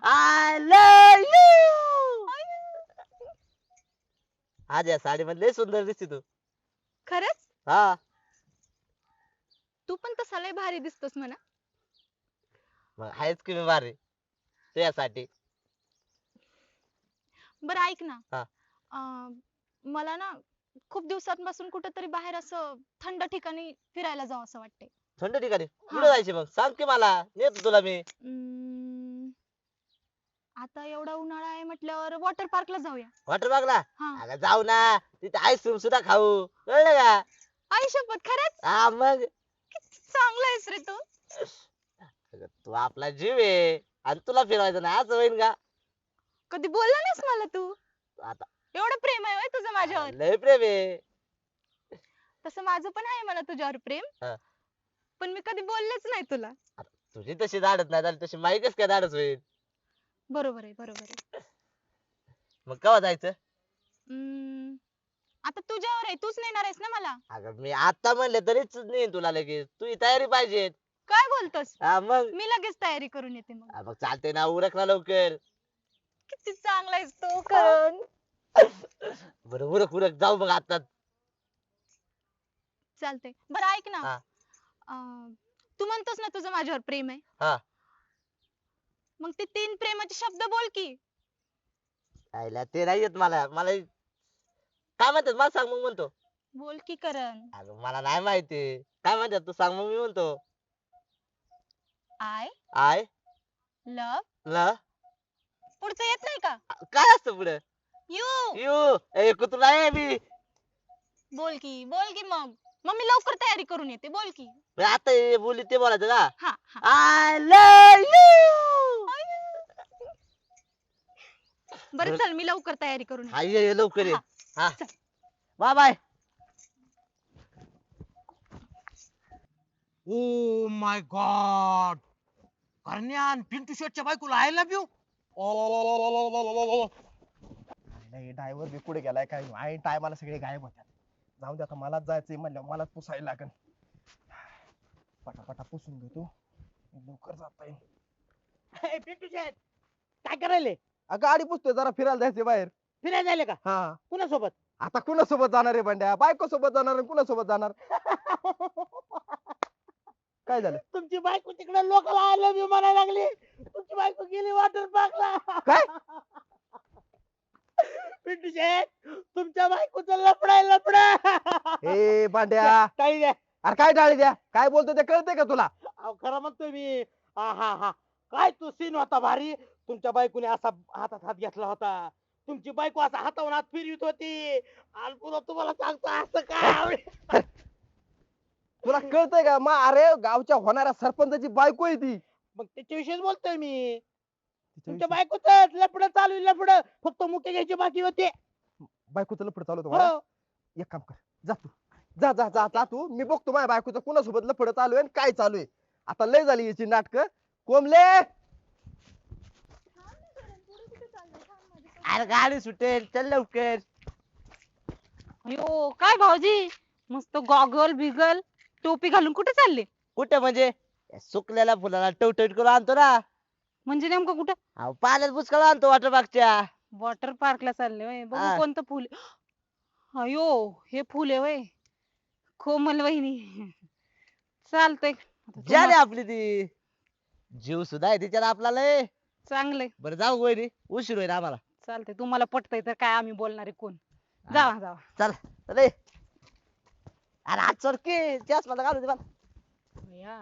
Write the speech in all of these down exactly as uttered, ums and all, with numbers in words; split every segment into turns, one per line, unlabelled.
I love you. आज या साडी मध्ये सुंदर दिसते तू.
खरंच
हा
तू पण तसा लय भारी दिसतोस म्हणा.
मग आहेच की मी भारी तुझ्यासाठी.
बरं ऐक ना.
हा.
अं, मला ना खूप दिवसांपासून कुठेतरी बाहेर असं थंड ठिकाणी फिरायला जावं असं वाटतंय.
थंड ठिकाणी
हा.
कुठे जायचे मग सांग की मला नेतो तुला मी.
अं, आता एवढा उन्हाळा आहे म्हटल्यावर वॉटर पार्कला जाऊया.
वॉटर पार्कला.
हा.
अगं जाऊ ना तिथे आईस्क्रीम सुद्धा खाऊ कळलं का.
आई शपथ खरंच
हा मग.
किती चांगला आहेस रे तू.
अगं, तू आपला जीव आहे आणि तुला फिरवायचं नाही असं होईन का.
कधी बोलला नाहीस मला तू.
आता
एवढं प्रेम आहे होय तुझं माझ्यावर.
लय प्रेम आहे.
तसं माझं पण आहे मला तुझ्यावर प्रेम.
हा.
पण मी कधी बोललेच नाही तुला.
आता तुझी तशी धाडत नाही झाली तशी माही कस काय धाडस होईल.
बरोबर आहे बरोबर आहे.
मग केव्हा जायचं.
अं, आता तुझ्यावर आहे तूच नेणार आहेस ना मला.
अगं मी आता म्हणलं तरीच नेईन तुला लगेच तुझी तयारी पाहिजे.
काय बोलतोस.
हा मग.
मी लगेच तयारी करून येते मग.
हा, मग चालते ना उरक ना लवकर.
किती चांगला आहेस तू करण.
बरं उरक उरक जाऊ मग आता.
चालतंय बरं ऐक ना.
हा.
अं, तू म्हणतोस ना तुझं माझ्यावर प्रेम आहे.
हा.
मग ते तीन प्रेमाचे शब्द बोल की.
आईला ते नाही येत मला मला काय म्हणतात मला सांग मग म्हणतो.
बोल की करण.
अगं मला नाही माहिती काय म्हणतात तू सांग मग मी म्हणतो.
आय
आय
लव
ल
पुढचं येत नाही का.
काय असतं पुढे.
यू
यू ए कुत्रा आहे मी.
बोल की बोल की मग. मग मी लवकर तयारी करून येते बोल की.
बरं, आता हे बोलली ते बोलायचं का.
हा हा.
I love you.
बरं चल मी लवकर तयारी करून येते.
हा ये ये लवकर ये.
हा,
हा
चल.
Bye bye.
Oh my god. करण्या आणि पिंटू शेटच्या बायकोला आय लव्ह यू.
नाही ड्रायव्हर बी कुठे गेलाय काय आई टायमाला सगळे गायब होत्या. जाऊ दे आता मलाच जायचंय म्हणलं मलाच पुसायला लागेल. पटापटा पुसून घेतो लवकर जाता येईल.
पिंटू शेट काय करायले.
गाडी पुसतोय जरा फिरायला जायचंय बाहेर.
फिरायला जायले का
हा
कुणासोबत.
आता कुणासोबत जाणार आहे बंड्या बायको सोबत जाणार आणि कुणासोबत जाणार. काय झालं
तुमची बायको तिकडे लोकांना आय लव्ह यू म्हणायला लागली. तुमची बायको गेली वॉटर पार्कला.
काय
पिंटू शेट तुमच्या बायकोचं लफडाय लफड.
ए बांड्या
काही द्या.
अरे काय डाळी द्या काय बोलतो ते कळतंय का तुला.
अहो खरं म्हणतोय मी. हा हा हा काय तो सीन होता भारी. तुमच्या बायकोने असा हातात हात घेतला होता. तुमची बायको असा हातावर हात फिरवीत होती. आणि पुन्हा तुम्हाला सांगतो असं काय आवडेल.
तुला कळतंय का मग अरे गावच्या होणाऱ्या सरपंचाची बायको आहे ती.
मग त्याच्याविषयीच बोलतोय मी. तुमच्या
तिच्या
बायकोच लफड चालू लफड फक्त मुके घ्यायची बाकी होते.
बायकोचं लफड चालू होतं मला.
हो.
एक काम कर जा तू जा जा जा जा तू मी बघतो माझ्या बायकोचं कुणासोबत लफड चालू आहे आणि काय चालू आहे. आता लय झाली याची नाटक. कोंबले
अरे गाडी सुटेल चल लवकर.
अयो काय भाऊजी मस्त गॉगल बिगल टोपी घालून कुठे चालले.
कुठे म्हणजे या सुकलेल्या फुलाला टवटवीत करून आणतो ना.
म्हणजे नेमकं कुठं.
अहो पाण्यात बुचकाळ आणतो वॉटर पार्कच्या.
वॉटर पार्कला चालले होय.
हा.
बघू कोणतं फुल. अयो हे फुल आहे होय. कोमल वहिनी चालतंय. आता
जाने
तुम्हा-
आपली ती जीव सुद्धा आहे तिच्यात आपला लय.
चांगलंय
बरं जाऊ वहिनी उशीर होईल आम्हाला.
चालतंय तुम्हाला पटतंय तर काय आम्ही बोलणारे कोण. जावा जावा.
चल रे. अरे आज चरके चष्मा घालू दे मला.
या.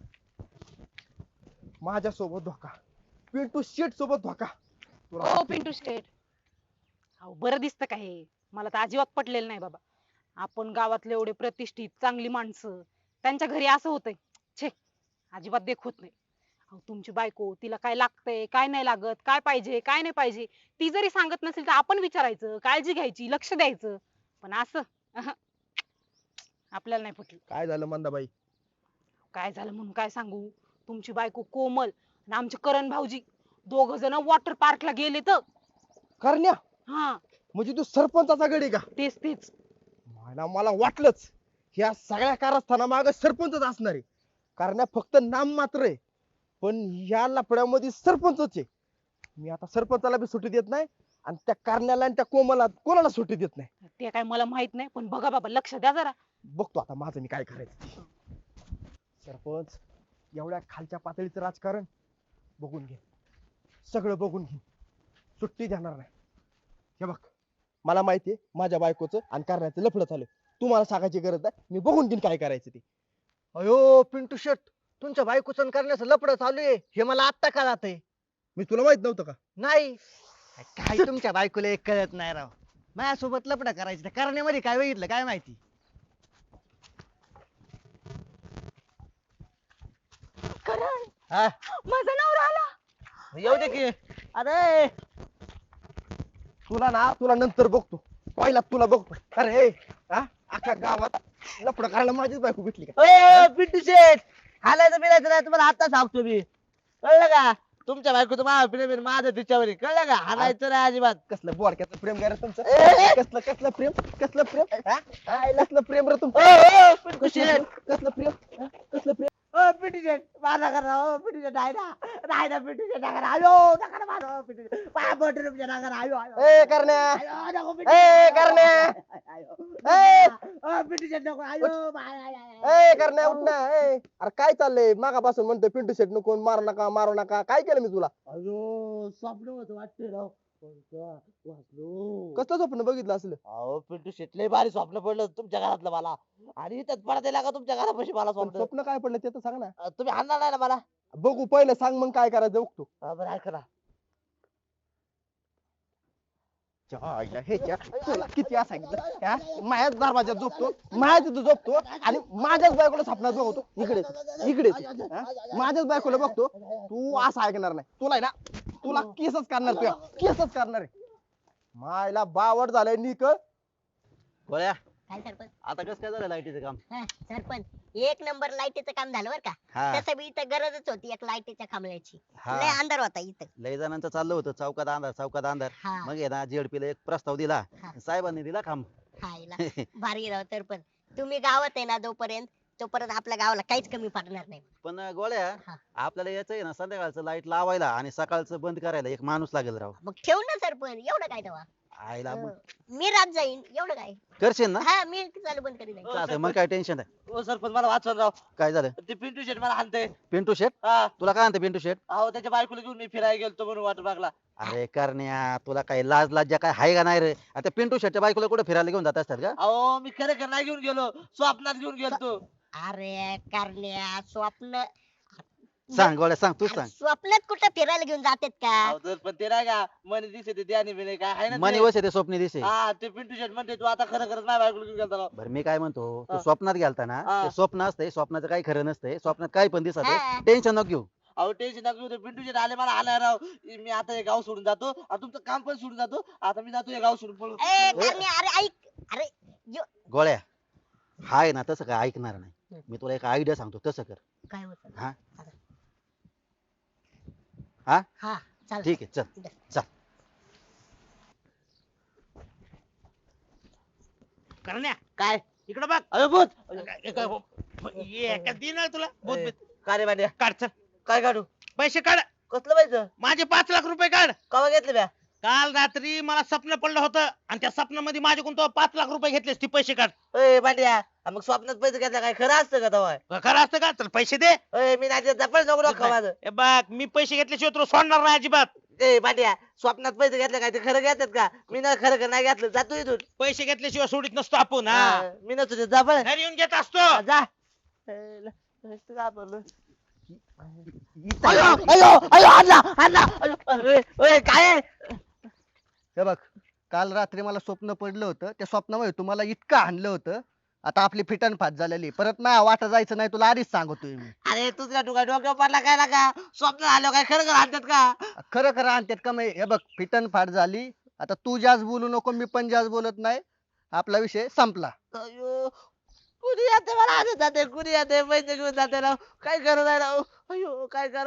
माझ्या सोबत धोका पिंटू शेट सोबत धोका. तुला
ओ पिंटू शेट. अहो बरं दिसतं का हे. मला तर अजिबात पटलेलं नाही बाबा. आपण गावातले एवढे प्रतिष्ठित चांगली माणसं त्यांच्या घरी असं होतंय. छे अजिबात देख होत नाही. अहो तुमची बायको तिला काय लागतंय काय नाही लागत काय पाहिजे काय नाही पाहिजे ती जरी सांगत नसेल तर आपण विचारायचं काळजी घ्यायची लक्ष द्यायचं. पण असं अहं. आपल्याला नाही पटलं.
काय झालं मंदाबाई.
काय झालं म्हणून काय सांगू. तुमची बायको कोमल आणि आमचे करण भाऊजी दोघ जण वॉटर पार्कला गेले तर.
करण्या
हा
म्हणजे तू सरपंचाचा गडी का.
तेच तेच.
मला मला वाटलंच ह्या सगळ्या कारस्थाना माग सरपंचच असणार आहे. करण्या फक्त नाम मात्र आहे पण या लफड्यामध्ये सरपंचच आहे. मी आता सरपंचाला बी सुट्टी देत नाही आणि त्या कारण्याला आणि त्या कोमला कोणाला सुट्टी देत नाही.
ते काय मला माहित नाही पण बघा बाबा लक्ष द्या जरा.
बघतो आता माझं मी काय करायचं ते. सरपंच एवढ्या खालच्या पातळीचं राजकारण बघून घे, सगळं बघून घे, सुट्टी देणार नाही. हे बघ मला माहितीये माझ्या बायकोचं आणि करण्याचं लफडं चालू आहे. तुम्हाला सांगायची गरज नाही, मी बघून घेईन काय करायचं ते.
अयो पिंटू शेट, तुमच्या बायकोचं करण्याचं लपड चालू आहे हे मला आत्ता कळत आहे.
मी तुला माहित नव्हतं का?
नाही काय तुमच्या बायकोला एक कळत नाही राव. माझ्यासोबत लपड करायचं करण्यामध्ये काय बघितलं काय माहिती.
करण
हा
माझा नवरा आला.
येऊ दे की. अरे
तुला ना तुला नंतर बघतो, पहिला तुला बघतो. अरे हे, हा अख्ख्या गावात लफडं करायला माझीच बायको भेटली का?
ओय, पिंटू शेट हालायचं बिलायचं नाही तुम्हाला आता सांगतो मी, कळलं का? तुमच्या बायकोचं माझं प्रेम आहे, माझं तिच्यावर आहे, कळलं का? हालायचं नाही अजिबात.
कसलं बोडक्याचं प्रेम काय रे तुमचं?
ए!
कसलं कसलं प्रेम कसलं प्रेम हा? हा, कसलं प्रेम रे तुमचं?
ओ, ओ, पिंटू शेट
कसलं कसलं प्रेम हा? कसलं प्रेम?
ओ पिंटू शेट माझा करा. ओ पिंटू शेट नाही ना नाही ना पिंटू शेट नका आयो नका ना मारो पिंटू शेट पाया पडतो तुमच्या नका आयो आयो
ए करण्या,
आयो नको पिंटू
ए
शेट.
करण्या,
आयो
ए!
ओ पिंटू शेट नको आयो बाय, आय, आय, आय.
ए करण्या उठ ना. ए अरे काय चाललंय मागापासून म्हणतोय पिंटू शेट नको मारू नका मारू नका, काय केलं मी तुला?
अयो स्वप्न होतं वाटते राव कोणतं? वाचलो.
कसलं स्वप्न बघितलं असलं?
अहो पिंटू शेट लय भारी स्वप्न पडलं होतं तुमच्या घरातलं मला, आणि इथंच पडत का तुमच्या घरापाशी मला
पण
स्वप्न.
स्वप्न काय पडलं ते तर सांग ना.
अं, तुम्ही आणणार नाही ना मला?
बघू पहिलं सांग मग काय करायचं बघतो.
हा, बरं ऐका ना.
आईला ह्याच्या तुला किती वेळा सांगितलं हा? माझ्याच दरवाजात झोपतो, माझ्याच तिथं झोपतो आणि माझ्याच बायकोला स्वप्नात बघतो. इकडे ये, इकडे ये, हा? माझ्याच बायकोला बघतो. तू असं ऐकणार नाही, तुला आहे ना तुला केसच करणार, तुला केसच करणार आहे. मायला बावड झालंय निक.
गोळ्या
काय सरपंच?
आता कसं काय झालं लाईटीचं काम?
हा, सरपंच एक नंबर लाईटीचं काम झालं बरं का.
हा
तसं बी इथं गरजच होती एक लाईटीच्या खांबल्याची.
हा
लय अंधार होता इथं.
लय जणांचं चाललं होतं चौकात अंधार चौकात अंधार.
हा
मग आहे ना जेडपीला एक प्रस्ताव दिला,
हा.
साहेबांनी दिला खांब.
खायला भारी राव सरपंच. तुम्ही गावात आहे ना जोपर्यंत तोपर्यंत आपल्या गावाला काहीच कमी पडणार नाही.
पण गोळ्या
हा.
आपल्याला याचं आहे ना संध्याकाळचं लाईट लावायला आणि सकाळचं बंद करायला एक माणूस लागेल राव.
मग ठेवू ना सरपंच, एवढं काय तेव्हा.
आईला मग
मी रात जाईन एवढं काय.
करशील ना?
हा मी चालू बंद करीन.
चालतंय, मग काय टेन्शन नाही.
ओ सरपंच मला वाचन राव,
काय झालं?
ते पिंटू शेट मला आणते.
पिंटू शेट
हा
तुला काय म्हणते पिंटू शेट?
अहो त्याच्या बायकोला घेऊन मी फिरायला गेलतो म्हणून वाटू लागला.
अरे करण्या तुला काही लाज लाज्या काय हाय का नाही रे? आता पिंटू शेटच्या बायकोला कुठे फिरायला घेऊन जात असतात का?
अहो मी खरं खरं नाही घेऊन गेलो, स्वप्नात घेऊन गेलतो.
अरे करण्या स्वप्न
सांग गोळ्या सांग तू
अरे,
सांग.
स्वप्नात कुठं फिरायला घेऊन जातात का.
अहो तर पण ते नाही का मनी दिसते ते आणि बिने काय आहे ना ते?
मनी वसे ते स्वप्नी दिसे.
हा ते पिंटू शेट म्हणते तू आता खरं खरंच माझ्या बायकोला घेऊन गेलता राव.
बरं मी काय म्हणतो, तू
हा.
स्वप्नात गेलता ना,
हा.
ते स्वप्न असतंय, स्वप्नाचं काही खरं नसतंय, स्वप्नात काही पण दिसत
हा.
टेन्शन नको घेऊ.
अहो टेन्शन नका घेऊ, ते पिंटू शेट आले मला आला राव. मी आता हे गाव सोडून जातो आणि तुमचं काम पण सोडून जातो. आता मी जातो हे गाव सोडून पळून.
ए करण्या अरे ऐक अरे यो-
गोळ्या हाय ना तसं काय ऐकणार नाही. मी तुला एक आयडिया सांगतो, तसं कर.
काय होत.
हा
हा चाल
ठीक आहे चल चल.
करण्या
काय
इकडं बघ.
अरे भूत
एका दिन तुला भूत
ए,
बीत.
काय रे भांड्या
काढ चल
काय काढू?
पैसे काढ.
कसलं पाहिजे?
माझे पाच लाख रुपये काढ.
कवा घेतलं ब्या?
काल रात्री मला स्वप्न पडलं होतं आणि त्या स्वप्नामध्ये माझ्याकडून तो पाच लाख रुपये घेतलेस ती पैसे काढ.
ए भांड्या आ, मग स्वप्नात पैसे घेतला काय खरं असतं का तवा?
खरं असतं का तर पैसे दे.
ए मी नाही देत, पण नको नको माझं.
ए बघ मी पैसे घेतल्याशिवाय तुला सोडणार नाही अजिबात.
ए भांड्या स्वप्नात पैसे घेतले काय ते खरं घेतात का? मी ना खरं खरं नाही घेतलं, जातो इथून.
पैसे घेतल्याशिवाय सोडित नसतो आपण. हा
हा, मी नसतो देत, जा पण.
घरी येऊन घेत असतो.
हा, जा. ए, ल- नुसतं घाबरलो. अयो अयो अयो आणला आणला अयो, अरे, ओय, काय आहे?
हे बघ काल रात्री मला स्वप्न पडलं होतं, त्या स्वप्नामध्ये तुम्हाला इतकं हाणलं होतं, आता आपली फिटन फाट झालेली, परत माझ्या वाटा जायचं नाही तुला आधीच सांगतोय मी.
अरे तुझ्या डोक्या डोक्यावर पडला काय ना का? स्वप्न आलं काय खरं खरं आणतात का?
खरं खरं आणतात का मी? हे बघ फिटन फाट झाली, आता तू जास्त बोलू नको, मी पण जास्त बोलत नाही, आपला विषय संपला.
अयो कुणी येते मला आणत जाते, कुणी येते पैसे घेऊन जाते राव, काय करत आहे राव? अयो काय करा?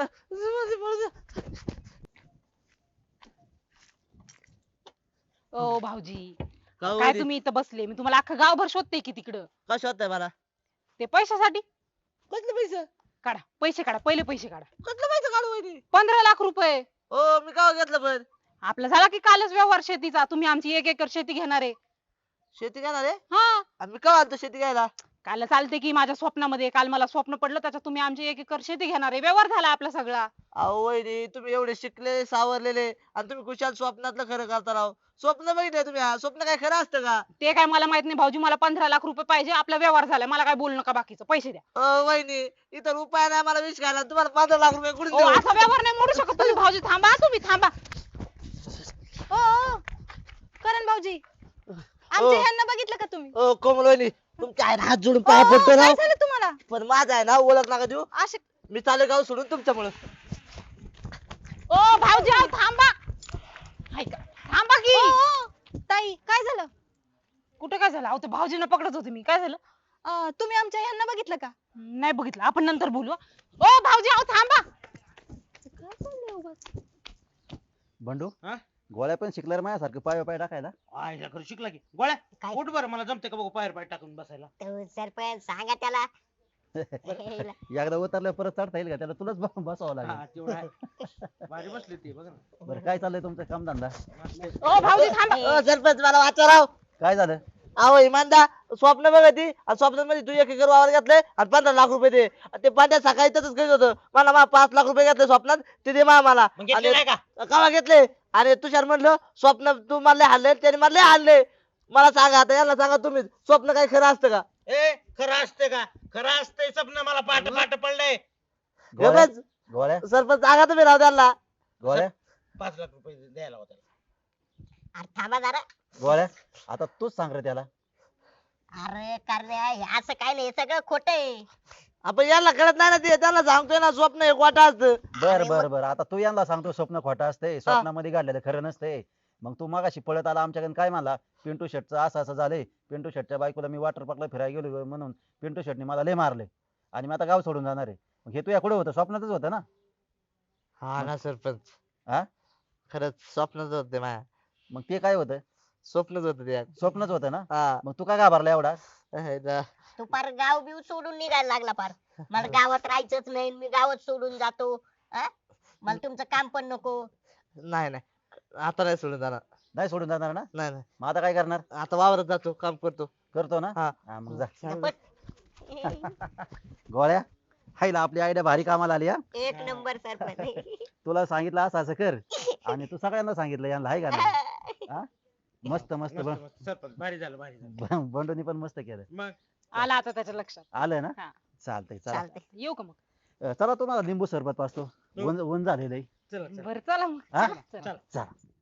ओ भाऊजी
हो
काय तुम्ही इथं बसले, मी तुम्हाला अख्खं गावभर शोधते की तिकडं.
कसं होतंय मला?
ते पैशासाठी
कसले पैसे?
काढा पैसे काढा, पहिले पैसे काढा.
कसले पैसे काढू वहिनी?
पंधरा लाख रुपये.
हो मी का घेतलं पण
आपला झाला की कालच व्यवहार शेतीचा, तुम्ही आमची एक एकर शेती घेणार आहे.
शेती घेणार आहे
हा
आणि मी का आणतो शेती घ्यायला?
काल चालते की माझ्या स्वप्नामध्ये, काल मला स्वप्न पडलं त्याच्यात तुम्ही आमची एक एकर शेती घेणार आहे. व्यवहार झाला आपला सगळा.
अहो वहिनी तुम्ही एवढे शिकलेले सावरलेले आणि तुम्ही कुशाल स्वप्नातलं खरं करता राव. स्वप्न बघितलं तुम्ही हा? स्वप्न काय खरं असतं का?
ते काय मला माहित नाही भाऊजी, मला पंधरा लाख रुपये पाहिजे. आपला व्यवहार झालाय, मला काय बोलू नका, बाकीचं पैसे द्या.
अ वहिनी इतर उपाय नाही मला विष घायला, तुम्हाला पंधरा लाख रुपये कुठून
ओ,
देऊ?
असा व्यवहार नाही मोडू शकत तुम्ही भाऊजी. थांबा तुम्ही थांबा.
ओ ओ, करण भाऊजी आमच्या ह्यांना बघितलं का तुम्ही?
ओ कोमल वहिनी तुमच्या आहे हात जोडून
ओ,
पाया पडतो
काय
राव.
झालं तुम्हाला?
पण माझा आहे ना ओळख नका देऊ.
असे
मी चालू गाव सोडून तुमच्यामुळे.
ओ भाऊजी अहो, थांबा. ऐका, थांबा की.
ओ, ओ, ताई काय झालं?
कुठं काय झालं? अहो ते भाऊजींना पकडत होते मी. काय झालं?
अं, तुम्ही आमच्या ह्यांना बघितलं का?
नाही बघितलं, आपण नंतर बोलू. हं. ओ भाऊजी अहो थांबा.
काय चाललंय उगाच?
बंडू
हा?
गोळ्या पण शिकला रे माझ्यासारखं पाय पाय टाकायला.
आयला खरं शिकला की गोळ्या
काय?
उठ बरं, मला जमते का बघू पायर पाय टाकून बसायला.
तो सरपंच सांगा त्याला.
एकदा उतरल्यावर परत चढता येईल का त्याला? तुलाच ब- बसावं लागेल.
हा तेवढं आहे. भारी बसली ती बघ ना.
बरं काय चाललंय तुमचं कामधंदा?
ओ भाऊजी थांबा.
अ, सरपंच मला वाचा राव.
काय झालं?
अहो इमानदा स्वप्न बघती आणि स्वप्नामध्ये तू एक एकर वावर घेतलंय आणि पंधरा लाख रुपये दे. आणि ते पांड्या सकाळी तसंच करीत होतं. मला मा पाच लाख रुपये घेतले स्वप्नात, ते दे मा मला.
मग घेतले नाही का?
कवा घेतले? आणि तुषार म्हणलं स्वप्न तू मला लय हाणले, त्याने मला लय हाणले. मला सांगा आता, यांना सांगा तुम्ही, स्वप्न काही खरं असतं का?
ए खरं असते का? खरं असतंय स्वप्न, मला पाठ पाठ पडलंय.
गोळ्या
गबस.
गोळ्या
सरपंच सांगा तुम्ही राव त्यांना.
गोळ्या
पाच लाख रुपये द्यायला होता.
अरे थांबा जरा.
गोळ्या आता तूच सांग रे त्याला.
अरे करण्या हे असं काय नाही, हे सगळं खोटं आहे.
आपण यांना कळत नाही ना, ते त्यांना सांगतोय ना स्वप्न एक वाटा असतं.
बर
अरे
बर
मग-
बर आता तू यांना सांगतो स्वप्न खोटं असते, स्वप्नामध्ये घडलेलं खरं नसते. मग तू मागाशी पळत आला आमच्याकडे काय म्हणला, पिंटू शेटचं असं असं झालंय, पिंटू शेटच्या बायकोला मी वॉटर पार्कला फिरायला गेलो म्हणून पिंटू शेटने मला लय मारले आणि मी आता गाव सोडून जाणार आहे. मग हे तू या कुठे होतं? स्वप्नातच होतं ना?
हा ना सरपंच.
हा?
खरंच स्वप्नच होत ते माझ्या.
मग ते काय होतं?
स्वप्नच होत ते.
स्वप्नच होतं ना?
हा.
मग तू काय घाबरला एवढा?
हे जा.
तू पार गाव बिव सोडून निघायला लागला पार. मला गावात राहायचंच नाही, मी गावात सोडून जातो. हा? मला तुमचं काम पण नको.
नाही नाही आता नाही सोडून जाणार.
नाही सोडून जाणार ना?
नाही नाही
मग आता काय करणार?
आता वावरात जातो, काम करतो.
करतो ना?
हा.
हा, मग जा.
पण
गोळ्या हायला आपली आयडिया भारी कामाला आली. हा
एक नंबर सरपंच.
तुला सांगितलं असं असं कर आणि तू सगळ्यांना सांगितलं यांना, हाय का नाही? हा? मस्त मस्त
मस्त,
ब-
मस्त. सरपंच भारी झालं भारी झालं.
ब- बंडूनी पण मस्त केलं.
मग
आला आता त्याच्या लक्षात.
आलं ना?
हा.
चालतंय चला.
चालतंय.
येऊ का मग?
अं, चला तुम्हाला लिंबू सरबत पाचतो. ऊन ऊन झालेलं आहे.
चला चला.
बरं चला मग.
हा?
चला.
चला.
चला